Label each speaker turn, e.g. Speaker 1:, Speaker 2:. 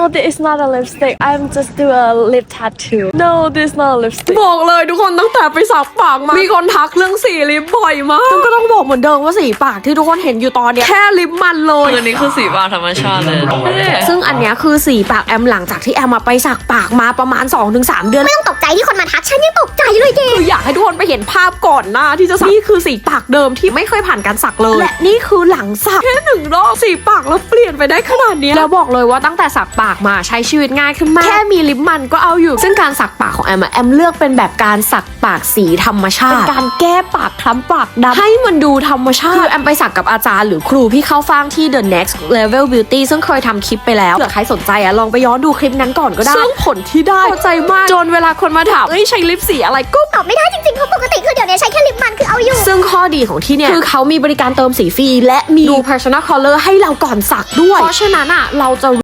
Speaker 1: this is not a lipstick I'm just do a lip tattoo no this is not a lipstick
Speaker 2: บอกเลยทุกคนตั้งแต่ไปสักปากมามีคนทักเรื่องสีลิปบ่อยมากก็ต้องบอกเหมือนเดิมว่าสีปากที่ทุกคนเห็นอยู่ตอนเนี้ยแค่ลิปมันเลย
Speaker 3: อันนี้คือสีปากธรรมชาติเลย
Speaker 2: ซึ่งอันเนี้ยคือสีปากแอมหลังจากที่แอมมาไปสักปากมาประมาณ 2-3 เดือน
Speaker 4: ไม่ต้องตกใจที่คนมาทักฉันยังตกใจเลยเจ๊
Speaker 2: คืออยากให้ทุกคนไปเห็นภาพก่อนหน้าที่จะสักนี่คือสีปากเดิมที่ไม่เคยผ่านการสักเลยและนี่คือหลังสักแค่1 รอบสีปากแล้วเปลี่ยนไปได้ขนาดนี้แล้วบอกเลยว่าตั้งแต่สักปากมาใช้ชีวิตง่ายขึ้นมากแค่มีลิปมันก็เอาอยู่ซึ่งการสักปากของแอมเลือกเป็นแบบการสักปากสีธรรมชาติเป็นการแก้ปากคล้ำปากดำให้มันดูธรรมชาติคือแอมไปสักกับอาจารย์หรือครูพี่เข้าฟ่างที่ The Next Level Beauty ซึ่งเคยทำคลิปไปแล้วเผื่อใครสนใจลองไปย้อนดูคลิปนั้นก่อนก็ได้ซึ่งผลที่ได้พอใจมากจนเวลาคนมาถามใช้ลิปสีอะไรก็
Speaker 4: ตอบไม่ได้จริงๆเพราะปกติคือเดี๋ยวนี้ใช้แค่ลิปมันคือเอาอยู่
Speaker 2: ซึ่งข้อดีของที่เนี่ยคือเขามีบริการเติมสีฟรีและมีดู personal color ให้เราก่อนสักด้วยเพราะฉะนั้นเราจะ